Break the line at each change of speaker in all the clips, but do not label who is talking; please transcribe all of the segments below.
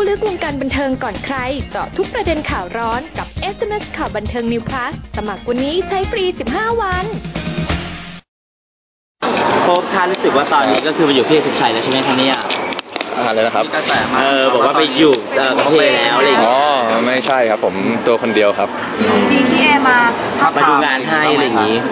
ลึกวงการบันเทิงก่อนใครเจาะทุกประเด็นข่าวร้อนกับ SMS ข่าวบันเทิง New Plus สมัครวันนี้ใช้ฟรี15 วัน
โป๊ปคะรู้สึกว่าตอนนี้ก็คือมาอยู่พี่สุดชัยแล้วใช่ไหมคะเนี่ย
อะไรนะครับ
บอกว่าไปอยู่กับพี่แล้วอะไรอย่างเงี้ย
อ๋อไม่ใช่ครับผมตัวคนเดียวครับ
พี่เอมา
ดูงานให้อะไรอย่างงี้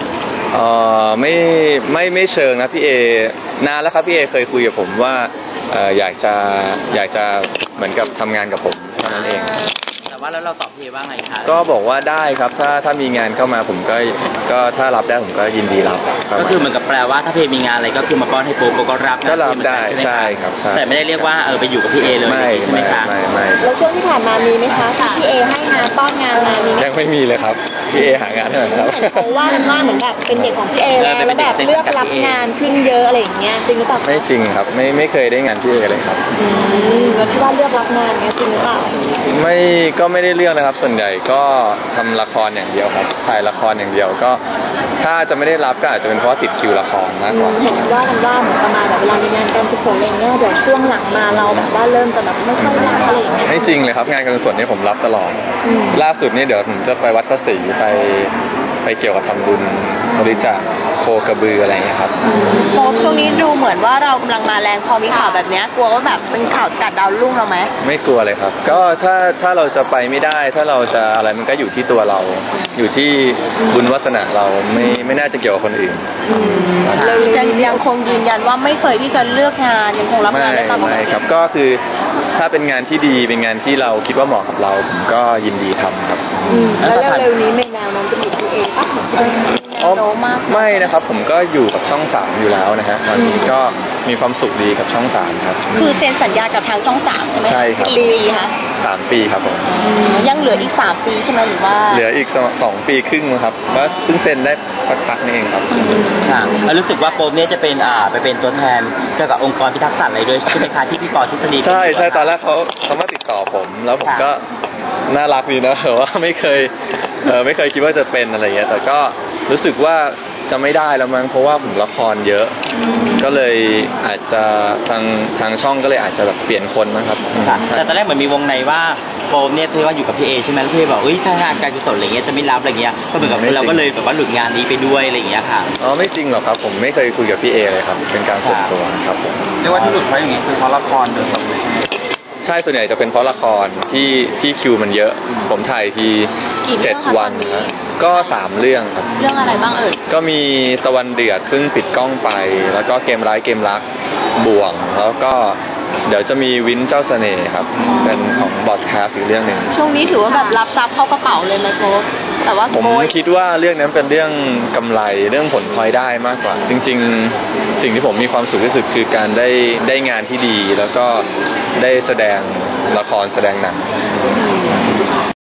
ไม่เชิงนะพี่เอนานแล้วครับพี่เอเคยคุยกับผมว่าอยากจะเหมือนกับทำงานกับผมเท่านั้นเอง
แต่ว่าแล้วเราตอบพี่ว่าไงคะ
ก็บอกว่าได้ครับถ้ามีงานเข้ามาผมก็ถ้ารับได้ผมก็ยินดีรับ
ก็คือเหมือนกับแปลว่าถ้าพี่มีงานอะไรก็คือมาป้อนให้โป๊ปก็รับ
ก็รับได้ใช่ครับ
แต่ไม่ได้เรียกว่าไปอยู่กับพี่เอเลยใช่ไหมคะ
ไม่
แล้วช่วงที่ผ่านมามีไหมคะพี่เอให้งานป้อนงานมามีไหม
ยังไม่มีเลยครับพี่เอหางานให้หน่อยครับ
เพราะว่ามันว่าเหมือนแบบเป็นเด็กของพี่เอแล้วแบบเลือกรับงานขึ้นเยอะอะไรอย่างเงี้ยจริงหรือเปล่า
ไม่จริงครับไม่เคยได้งานพี่เอเลยครับ
แล้วที่ว่าเลือกรับงานเนี้ยจริงหรือเปล่า
ก็ไม่ได้เลือกนะครับส่วนใหญ่ก็ทำละครอย่างเดียวครับถ่ายละครอย่างเดียวก็ถ้าจะไม่ได้รับก็อาจจะเป็นเพราะติดคิวละครมากกว่า
เห็นว่ากันว่าเหมือนประมาณแบบเวลามีงานการกุศลอะไรเงี้ยเดี๋ยวช่วงหลังมาเราแบบว่าเริ่มจะแบบไม่ค่อยรับอะไรอย่างเงี้ย
ไม่จริงเลยครับงานการกุศลนี่ผมรับตลอดล่าสุดนี่เดี๋ยวผมจะไปวัดพระศรีไปเกี่ยวกับทำบุญบริจาคโคกระบืออะไรเงี้ยครับ
โป๊ปช่วงนี้ดูเหมือนว่าเรากำลังมาแรงพอมีข่าวแบบนี้กลัวว่าแบบเป็นข่าวกัดดาวรุ่งเราไหม
ไม่กลัวเลยครับก็ถ้าเราจะไปไม่ได้ถ้าเราจะอะไรมันก็อยู่ที่ตัวเราอยู่ที่บุญวาสนาเราไม่น่าจะเกี่ยวกับคนอื่น
เรายังคงยืนยันว่าไม่เคยที่จะเลือกงานยังคงรับงานได้ตามปกติ
ไม่ครับก็คือถ้าเป็นงานที่ดีเป็นงานที่เราคิดว่าเหมาะกับเราผมก็ยินดีทำครับ
แล้วเร็วๆนี้ในแนวนั้นจะมีตัวเองปะ
ไม่นะครับผมก็อยู่กับช่อง3อยู่แล้วนะฮะตอนนี้ก็มีความสุขดีกับช่อง3ครับ
คือเซ็นสัญญากับทางช่อง3ใช่ไหม
ใช่ครับ
กี่ปีคะ
3 ปีครับผม
ยังเหลืออีก3 ปีใช่ไหมหรือว่า
เหลืออีก2 ปีครึ่งครับว่าเพิ่งเซ็นได้พักๆนี่เองครับ
แล้วรู้สึกว่าโป๊ปเนี่ยจะเป็นไปเป็นตัวแทนเกี่ยวกับองค์กรพิทักษ์สัตว์อะไรด้วยใช่ไหมคะที่พี่ปอทฤษฎี
ใช่ตอนแรกเขามาติดต่อผมแล้วผมก็น่ารักดีนะแต่ว่าไม่เคยคิดว่าจะเป็นอะไรเงี้ยแต่ก็รู้สึกว่าจะไม่ได้แล้วมั้งเพราะว่าผมละครเยอะก็เลยอาจจะทางช่องก็เลยอาจจะแบบเปลี่ยนคนนะครับ
แต่ตอนแรกเหมือนมีวงในว่าโป๊ปเนี่ยที่ว่าอยู่กับพี่เอใช่ไหมแล้วพี่บอกถ้างานการกุศลอะไรเงี้ยจะไม่รับอะไรเงี้ยก็เหมือนกับเราก็เลยแบบว่าหลุดงานนี้ไปด้วยอะไรเงี้ยค่ะ
ไม่จริงหรอกครับผมไม่เคยคุยกับพี่เอเลยครับเป็นการส่วนตัวครับผม
เรียกว่าที่หลุดเพราะอย่างงี้คือเพราะละครโดยตรงเลย
ใช่ส่วนใหญ่จะเป็นเพราะละครที่คิวมันเยอะผมถ่ายที7 วันนะก็3 เรื่องครับ
เรื่องอะไรบ้าง
ก็มีตะวันเดือดเพิ่งปิดกล้องไปแล้วก็เกมร้ายเกมรักบ่วงแล้วก็เดี๋ยวจะมีวินเจ้าเสน่ห์ครับเป็นของบอดแคสต์อีกเรื่องนึง
ช่วงนี้ถือว่าแบบรับทรัพย์เข้ากระเป๋าเลยไหมโป๊ปแต่ว่า
ผมคิดว่าเรื่องนั้นเป็นเรื่องกำไรเรื่องผลพลอยได้มากกว่าจริงๆสิ่งที่ผมมีความสุขที่สุดคือการได้งานที่ดีแล้วก็ได้แสดงละครแสดงหนัง